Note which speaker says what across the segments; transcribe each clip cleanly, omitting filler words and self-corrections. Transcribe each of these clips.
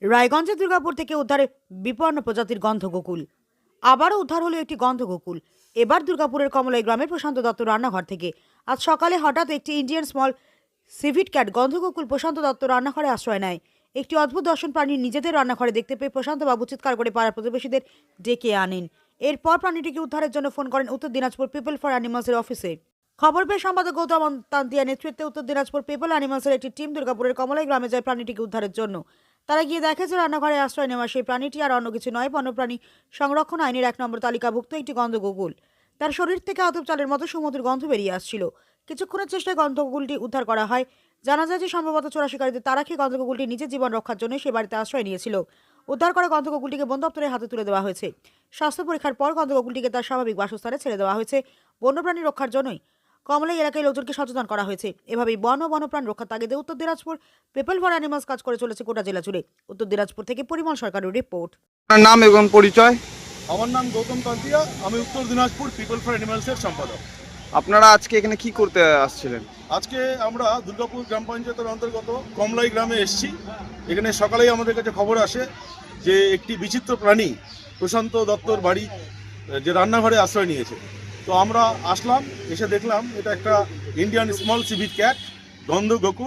Speaker 1: রায়গঞ্জের দুর্গাপুর থেকে উদ্ধারে বিপন্ন প্রজাতির গন্ধগোকুল। আবারও উদ্ধার হলো একটি গন্ধগোকুল। এবার দুর্গাপুরের কমলাই গ্রামের প্রশান্ত দত্ত রান্নাঘর থেকে। আজ সকালে হঠাৎ একটি ইন্ডিয়ান স্মল সিভিট ক্যাট গন্ধগোকুল প্রশান্ত দত্ত রান্নাঘরে আশ্রয় নেয়। একটি অদ্ভুত দর্শন প্রাণী নিজেদের রান্নাঘরে দেখতে পেয়ে প্রশান্ত বাবু চিৎকার করে পাড়ার প্রতিবেশীদের ডেকে আনেন। এরপর প্রাণীটিকে উদ্ধারের জন্য ফোন করেন উত্তর দিনাজপুর পিপল ফর অ্যানিমালসের অফিসে। খবর পেয়ে সম্পাদক গৌতম তান্তিয়ার নেতৃত্বে উত্তর দিনাজপুর পিপল অ্যানিমালসের একটি টিম দুর্গাপুরের কমলাই গ্রামে যায় প্রাণীটিকে উদ্ধারের জন্য। তারা গিয়ে দেখে যে রান্নাঘরে আশ্রয় নেওয়া সেই প্রাণীটি আর অন্য কিছু নয়, বন্যপ্রাণী সংরক্ষণ আইনের 1 নম্বর তালিকাভুক্ত একটি গন্ধগোকুল। তার শরীর থেকে আতপ চালের মতো সুমধুর গন্ধ বেরিয়ে আসছিল। কিছুক্ষণের চেষ্টায় গন্ধগোকুলটি উদ্ধার করা হয়। জানা যায় যে সম্ভবত চোরা শিকারীদের তারা খেয়ে গন্ধগোকুলটি নিজের জীবন রক্ষার জন্য সে বাড়িতে আশ্রয় নিয়েছিল। উদ্ধার করা গন্ধগোকুলটিকে বন দপ্তরের হাতে তুলে দেওয়া হয়েছে। স্বাস্থ্য পরীক্ষার পর গন্ধগোকুলটিকে তার স্বাভাবিক বাসস্থানে ছেড়ে দেওয়া হয়েছে। বন্যপ্রাণী রক্ষার জন্যই কমলাই এলাকায় লোকজনকে সচেতন করা হয়েছে। এভাবেই বন ও বন্যপ্রাণ রক্ষার তাগিদে উত্তর দিনাজপুর পিপল ফর অ্যানিমালস কাজ করে চলেছে গোটা জেলা জুড়ে। উত্তর দিনাজপুর থেকে পরিমল সরকারের রিপোর্ট।
Speaker 2: আপনার নাম এবং পরিচয়?
Speaker 3: আমার নাম গৌতম তান্তিয়া, আমি উত্তর দিনাজপুর পিপল ফর অ্যানিমালসের সম্পাদক।
Speaker 2: আপনারা আজকে এখানে কি করতে আসছিলেন?
Speaker 3: আজকে আমরা দুর্গাপুর গ্রাম পঞ্চায়েতের অন্তর্গত কমলাই গ্রামে এসেছি। এখানে সকালেই আমাদের কাছে খবর আসে যে একটি বিচিত্র প্রাণী প্রশান্ত দত্তর বাড়ি যে রান্নাঘরে আশ্রয় নিয়েছে। তো আমরা আসলাম, এসে দেখলাম এটা একটা ইন্ডিয়ান স্মল সিভিট ক্যাট গন্ধগোকুল,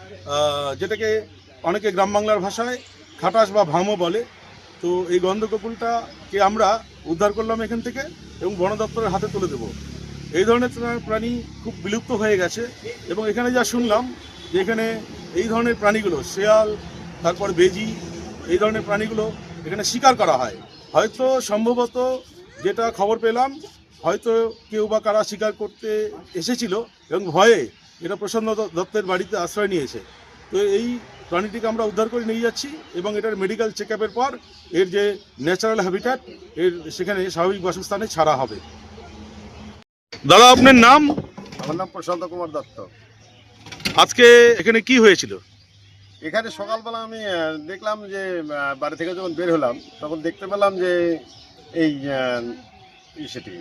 Speaker 3: যেটাকে অনেকে গ্রাম বাংলার ভাষায় খাটাস বা ভামো বলে। তো এই গন্ধগোকুলটাকে আমরা উদ্ধার করলাম এখান থেকে এবং বন দপ্তরের হাতে তুলে দেবো। এই ধরনের প্রাণী খুব বিলুপ্ত হয়ে গেছে এবং এখানে যা শুনলাম যে এখানে এই ধরনের প্রাণীগুলো শেয়াল, তারপর বেজি, এই ধরনের প্রাণীগুলো এখানে শিকার করা হয়। হয়তো সম্ভবত যেটা খবর পেলাম, হয়তো কেউ বা কারা শিকার করতে এসেছিল এবং ভয়ে এটা প্রসন্ন দত্তের বাড়িতে আশ্রয় নিয়েছে। তো এই প্রাণীটিকে আমরা উদ্ধার করে নিয়ে যাচ্ছি এবং এটার মেডিকেল চেক আপের পর এর যে ন্যাচারাল হ্যাবিট্যাট এর সেখানে স্বাভাবিক বাসস্থানে ছাড়া হবে। দাদা, আপনার নাম?
Speaker 4: আমার নাম প্রশান্ত কুমার দত্ত।
Speaker 3: আজকে এখানে কি হয়েছিল?
Speaker 4: এখানে সকালবেলা আমি দেখলাম যে বাড়ি থেকে যখন বের হলাম তখন দেখতে পেলাম যে এই সেটি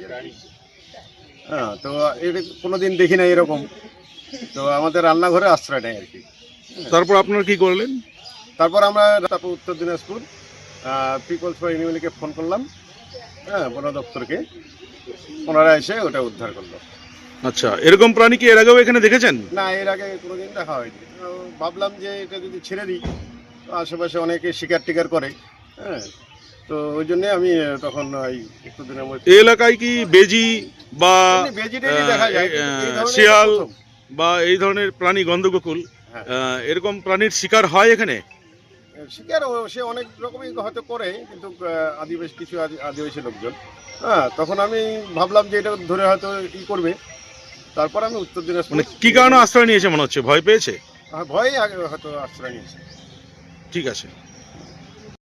Speaker 4: হ্যাঁ, তো এটা কোনোদিন দেখি না এরকম। তো আমাদের রান্নাঘরে আশ্রয় নেয় আর কি।
Speaker 3: তারপর আপনারা কি করলেন?
Speaker 4: তারপর উত্তর দিনাজপুর পিপলস ফর অ্যানিমালকে ফোন করলাম, হ্যাঁ, বন দপ্তরকে। ওনারা এসে ওটা উদ্ধার করলো।
Speaker 3: আচ্ছা, এরকম প্রাণী কি এর আগেও এখানে দেখেছেন?
Speaker 4: না, এর আগে কোনোদিন দেখা হয়নি। ভাবলাম যে এটা যদি ছেড়ে দিই, আশেপাশে অনেকে শিকার টিকার করে, হ্যাঁ, তো ওই জন্যে আমি তখন একটু দিনের মধ্যে
Speaker 3: এই এলাকায় কি বেজি বা শিয়াল বা এই ধরনের প্রাণী গন্ধগোকুল এরকম প্রাণীর শিকার হয় এখানে?
Speaker 4: শিকার সে অনেক রকমই হয়তো করে, কিন্তু কিছু আদিবাসী লোকজন, হ্যাঁ, তখন আমি ভাবলাম যে এটা ধরে হয়তো ই করবে। তারপর আমি উত্তর দিনাজপুর।
Speaker 3: মানে কি কারণে আশ্রয় নিয়েছে মনে হচ্ছে? ভয় পেয়েছে?
Speaker 4: ভয়ে আগে হয়তো আশ্রয় নিয়েছে।
Speaker 3: ঠিক আছে।